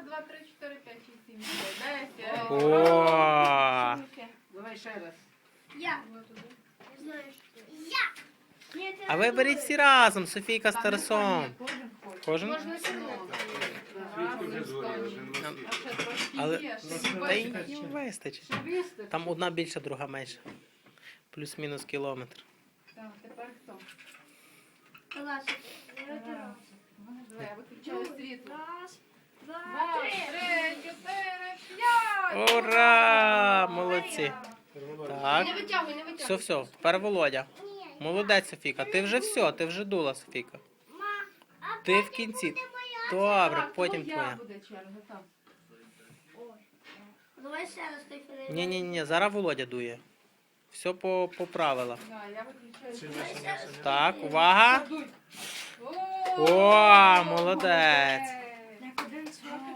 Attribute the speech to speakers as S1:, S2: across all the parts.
S1: 2, 3, 4, 5, 6, 7, 10.
S2: О!
S3: Давай ще раз.
S4: Я. Не знаю, що. Я. Ні, ти
S2: А
S4: не
S2: ви беріть всі разом, Софійка з
S1: Там
S2: Тарасом.
S1: кожен хоче.
S2: Кожен?
S4: Можна сирнути.
S1: Разом скажемо. А ще трошки
S2: Але
S1: є, ще
S2: та й
S1: бачиш,
S2: їм вистачить.
S3: Ще вистачить.
S2: Там одна більша, друга менша. Плюс-мінус кілометр.
S1: Так, тепер хто?
S4: Класика.
S1: Раз. Давай, я виключаю світло.
S4: Раз, два,
S1: 2,
S4: три.
S1: 3, 4, 5.
S2: Ура! Молодці. Так.
S4: Не витягуй, не витягуй.
S2: Все, все. Тепер Володя. Молодець, Софійка. Ти вже все, ти вже дула, Софійка. Ти в кінці. Добре,
S1: Так,
S2: потім
S1: твоя
S2: твоя.
S1: буде черга, так.
S4: Давай ще раз той фрейм.
S2: Ні, зараз Володя дує. Все по правилах.
S1: Да, я виключаю світло.
S2: Так, увага.
S1: Дуй.
S2: О, молодець.
S4: Як один срок.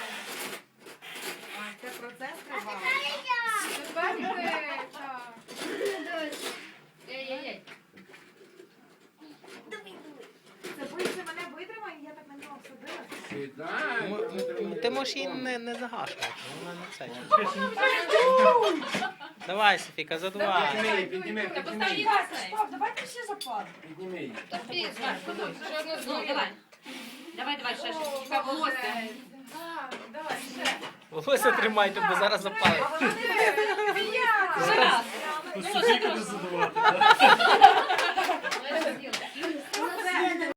S1: А, це процес триває. Тепер ти, так.
S4: Ей-ей-ей.
S3: Це мене витримає, я так на нього садила.
S2: Ти можеш її не загашувати. Вона не це. Давай, Софійка, задувай.
S5: Підніми.
S3: Стоп, давайте всі запали.
S5: Підніми її.
S4: Давай, ще ж.
S1: Чекай, волосся. А, давай, ще.
S2: Волосся тримайте, бо зараз запалить.
S3: А вона не
S1: Я.
S3: витримає.
S5: Скільки не задавати?